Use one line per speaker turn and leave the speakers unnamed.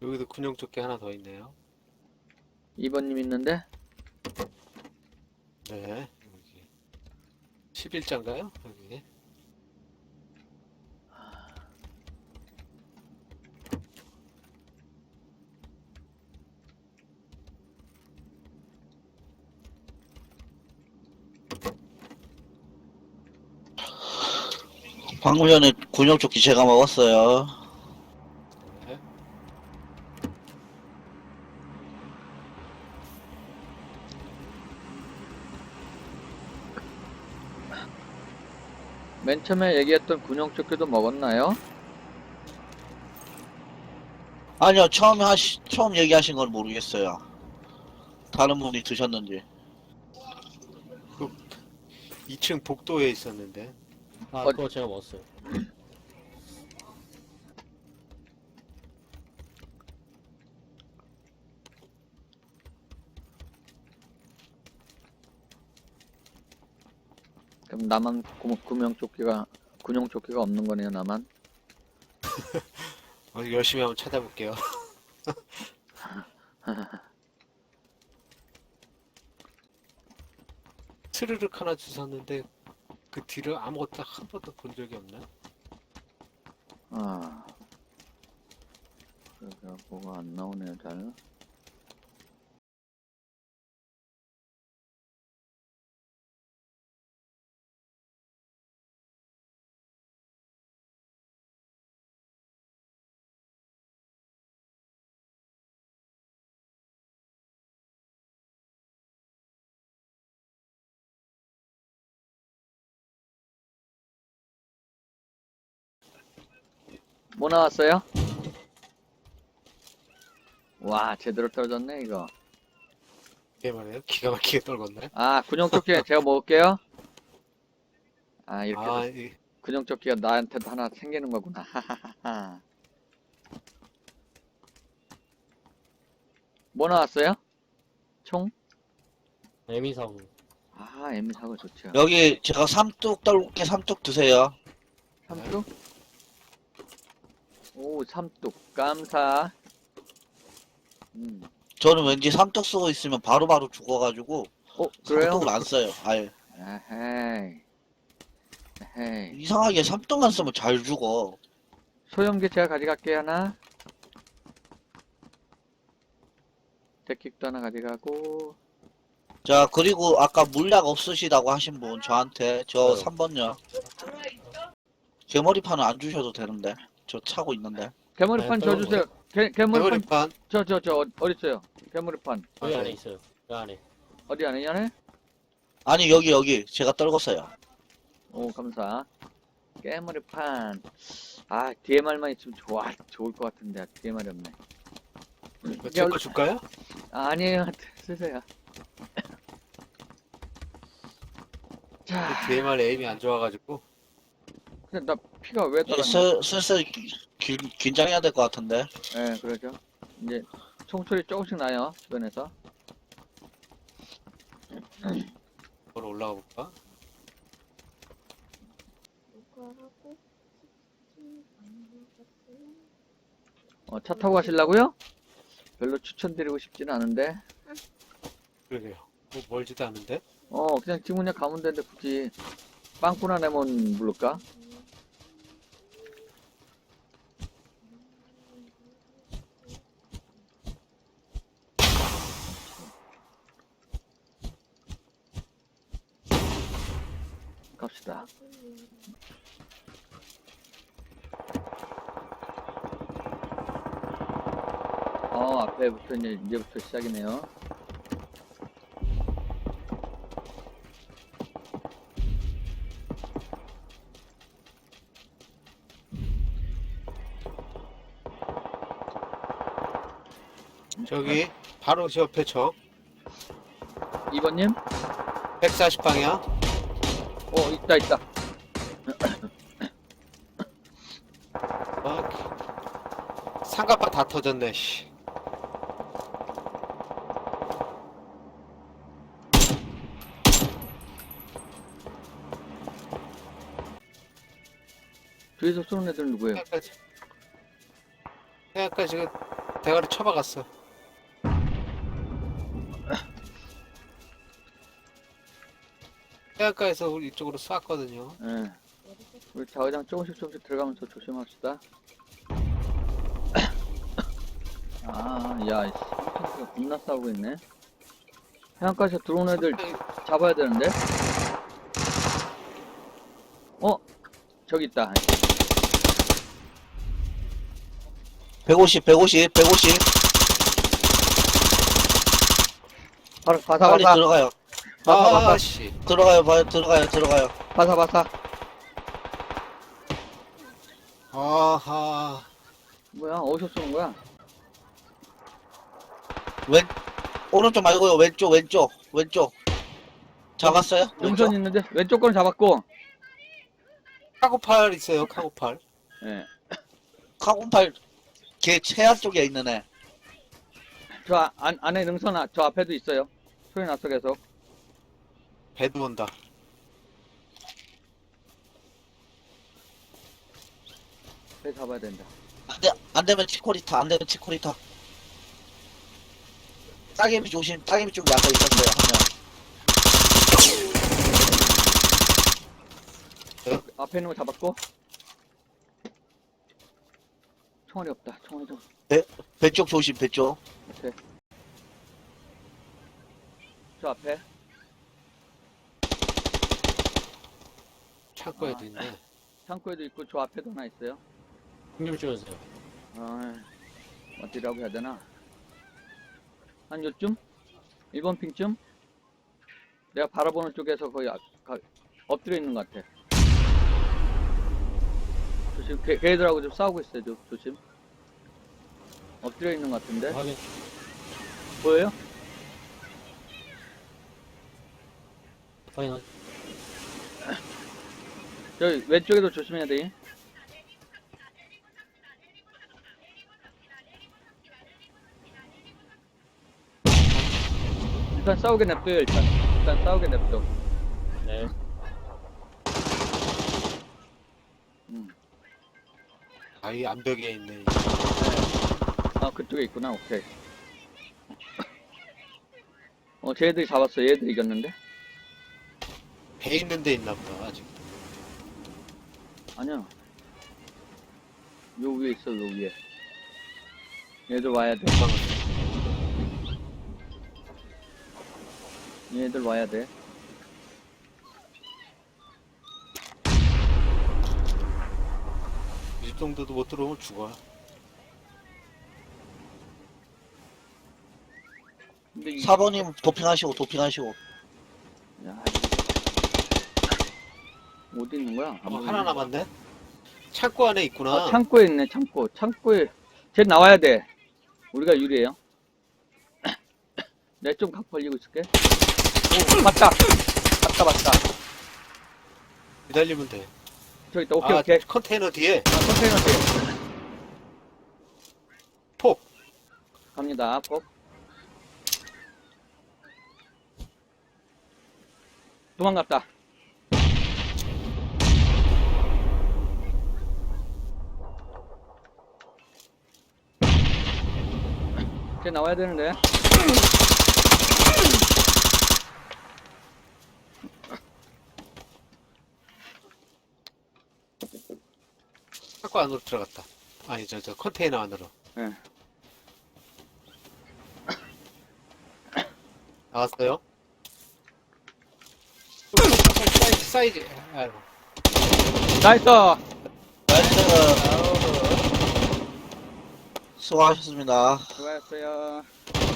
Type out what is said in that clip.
여기도 군용조끼 하나 더 있네요.
2번님 있는데?
네, 여기 11자인가요? 여기.
방금 전에 군용조끼 제가 먹었어요.
네.
맨 처음에 얘기했던 군용조끼도 먹었나요?
아니요, 처음 얘기하신 건 모르겠어요. 다른 분이 드셨는지.
그 2층 복도에 있었는데.
아,
어-
그거 제가 먹었어요.
그럼 나만 군용조끼가 없는 거네요, 나만.
열심히 한번 찾아볼게요. 스르륵 하나 주셨는데 그 뒤를 아무것도 한 번도 본 적이 없나?
아. 그래서 뭐가 안 나오네요, 잘. 뭐 나왔어요? 와, 제대로 떨어졌네, 이거.
이게 말이에요? 기가 막히게 떨궜네.
아, 군용조끼 제가 먹을게요. 아, 이렇게
아,
해서 군용조끼가 나한테도 하나 생기는 거구나. 하하하하. 뭐 나왔어요? 총?
에미사고.
아, M4가 좋죠.
여기 제가 삼뚝 떨굴게 삼뚝 드세요.
삼뚝? 오, 삼뚝. 감사.
저는 왠지 삼뚝 쓰고 있으면 바로바로 죽어가지고
그래요?
삼뚝을 안 써요. 아예.
에헤이. 에헤이.
이상하게 삼뚝만 쓰면 잘 죽어.
소형기 제가 가져갈게요, 하나. 데킥도 하나 가져가고.
자, 그리고 아까 물약 없으시다고 하신 분 저한테 저
네.
3번요. 개머리판은 안 주셔도 되는데. 저 차고 있는데.
개머리판
네,
줘 주세요. 개머리판
메모리판.
어디 있어요? 개머리판.
여기
맞아요.
안에 있어요. 여기 안에.
어디 안에 있냐?
아니 여기 제가 떨궜어요.
오, 감사. 개머리판. 아, DMR만 있으면 좋을 것 같은데, DMR이 없네.
제거 줄까요?
아, 아니에요. 쓰세요. 자,
DMR 에임이 안 좋아가지고.
근데 나 피가 왜
이제
떨어졌냐?
슬슬 긴장해야 될 것 같은데.
예, 그러죠. 이제 총소리 조금씩 나요, 주변에서.
바로 올라가 볼까?
차 타고 가시려고요? 별로 추천드리고 싶진 않은데.
그러게요. 뭐 멀지도 않은데?
그냥 지금 그냥 가면 되는데 굳이 빵꾸나 내면 부를까? 갑시다. 앞에부터 이제부터 시작이네요.
저기 바로 제 옆에 저
2번님?
140방향.
있다.
상가파 다 터졌네. 씨.
뒤에서 쏘는 애들 누구예요?
생각까지 그 대가리 쳐박았어. 해안가에서 우리 이쪽으로 쐈거든요.
예. 우리 자회장 조금씩 들어가면서 조심합시다. 아, 야, 이 가 겁나 싸우고 있네. 해안가에서 들어온 애들 잡아야 되는데? 저기 있다.
150 150 150
바로
빨리
바사.
들어가요.
아, 씨.
들어가요. 들어가요.
바사.
아하.
뭐야, 어디서 쏘는 거야?
오른쪽 말고요. 왼쪽. 잡았어요?
능선 있는데? 왼쪽 거는 잡았고.
카고팔 있어요, 카고팔.
예.
카군팔 걔 최안 쪽에 있는 애.
저 안에 능선, 저 앞에도 있어요. 소리 났어, 계속.
배도 온다.
배 잡아야 된다.
안 되면 치코리타. 따개비 조심. 따개비 쪽에 아까 있었어요. 한 명.
앞에 있는 거 잡았고. 총알이 없다. 총알이 좀.
배 쪽 조심. 배 쪽.
오케이. 저 앞에.
창고에도 있네.
창고에도 있고 저 앞에도 하나 있어요.
좀 찍어주세요.
어디라고 해야 되나? 한 요쯤? 1번 핑쯤? 내가 바라보는 쪽에서 거의 엎드려 있는 것 같아. 조심, 걔들하고 좀 싸우고 있어요. 조심. 엎드려 있는 것 같은데?
확인.
보여요?
확인.
저기 왼쪽에도 조심해야 돼. 일단 싸우게 냅둬요. 일단 싸우게 냅둬.
네.
아이 암벽에 있네.
그쪽에 있구나. 오케이. 쟤들이 잡았어. 얘들 이겼는데?
배 있는 데 있나 보다, 아직.
아니야. 요 위에 있어. 요 위에. 얘들 와야 돼. 얘들 와야 돼.
이 정도도 못 들어오면 죽어.
근데
4번님 도핑하시고.
야, 어디 있는 거야?
하나 남았네? 창고 안에 있구나.
창고에 있네. 창고에. 쟤 나와야 돼. 우리가 유리해요. 내가 좀 각 벌리고 있을게. 오, 봤다.
기다리면 돼.
저기 있다. 오케이.
컨테이너 뒤에
컨테이너 뒤에.
폭.
갑니다. 폭. 도망갔다. 쟤 나와야 되는데.
창고 안으로 들어갔다. 아니 저 컨테이너 안으로.
예.
나왔어요? 사이즈. 아이고.
나이스.
수고하셨습니다.
수고하셨어요.